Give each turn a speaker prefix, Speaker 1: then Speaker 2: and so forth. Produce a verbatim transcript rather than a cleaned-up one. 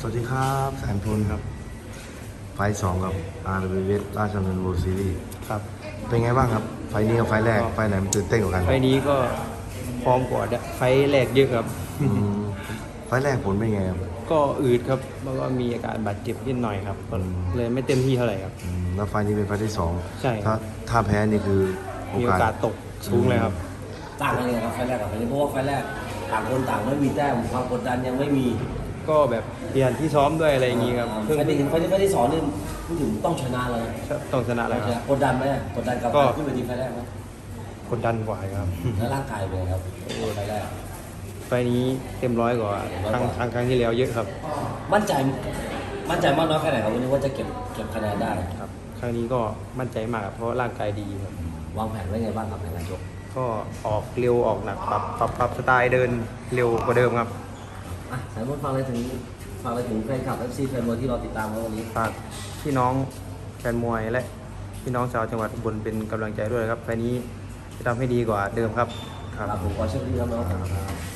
Speaker 1: วัสดีครับแสนพลครับไฟล์สองกับอาร์เวสราชดำเนินโวซีรีส์
Speaker 2: ครับ
Speaker 1: เป็นไงบ้างครับ ไฟล์นี้กับไฟล์แรก ไฟล์ไหนมันตื่นเต้นกว่ากัน
Speaker 2: ไฟล์นี้ก็พร้อมกว่าไฟล์แรกเยอะครับ
Speaker 1: อืมไฟล์แรกผลเป็นไงครับ
Speaker 2: ก็อืดครับแล้วก็มีอาการบาดเจ็บนิดหน่อยครับ
Speaker 1: อืม
Speaker 2: เลยไม่เต็มที่เท่าไหร่ครับ
Speaker 1: อืมแล้วไฟล์นี้เป็นไฟล์ที่สอง
Speaker 2: ใช่ครั
Speaker 1: ถ้า
Speaker 2: บ
Speaker 1: ถ้าแพ้นี่คือโอ
Speaker 2: มีโอก
Speaker 1: าส
Speaker 2: กาสตกสูงเลยครับ
Speaker 3: ต่างกันยังไงครับไฟล์แรกกับไฟล์นี้เพราะว่าไฟล์แรกต่างคนต่างไม่มีแต้มความกดดันยังไม่มี
Speaker 2: ก็แบบเปลี่ยนที่ซ้อมด้วยอะไรอย่างงี้ครับ
Speaker 3: ไฟ
Speaker 2: เพิ่ง
Speaker 3: ล์นี้ไฟล์นี้ไฟล์ที่สองนี่พูดถึงต้องชนะเลย
Speaker 2: ต้องชนะแล้วครับ
Speaker 3: กดดันไหมกดดันกับ
Speaker 2: ก็
Speaker 3: การขึ้นเวทีไฟล์แรกไหม
Speaker 2: กดดันกว่าครับ
Speaker 3: แล้วร่างกายเป็นไงครับไฟล์แรก
Speaker 2: ไฟล์นี้เต็มร้อยกว่าครั้งครั้งครั้งที่แล้วเยอะครับ
Speaker 3: มั่นใจมั่นใจมากน้อยแค่ไหนครับวันนี้ว่าจะเก็บเก็บคะแนนได้
Speaker 2: ครับ ครั้งนี้ก็มั่นใจมากครับเพราะร่างกายดีครับ
Speaker 3: วางแผนไว้ไงบ้างครับในการชก
Speaker 2: ก็ออกเร็วออกหนักปรับปรับปรับสไตล์เดินเร็วกว่าเดิมครับ
Speaker 3: อ่ะสายมดฟังอะไรถึงฟังอะไรถึงแฟนคลับ เอฟ ซี แฟนมวยที่เราติดตามกันวันนี้
Speaker 2: ฝากพี่น้องแฟนมวยและพี่น้องชาวจังหวัดอุบลเป็นกำลังใจด้วยครับไฟล์นี้จะทำให้ดีกว่าเดิมครับ
Speaker 3: ครับผมขอเชิญพี่ครับน้อง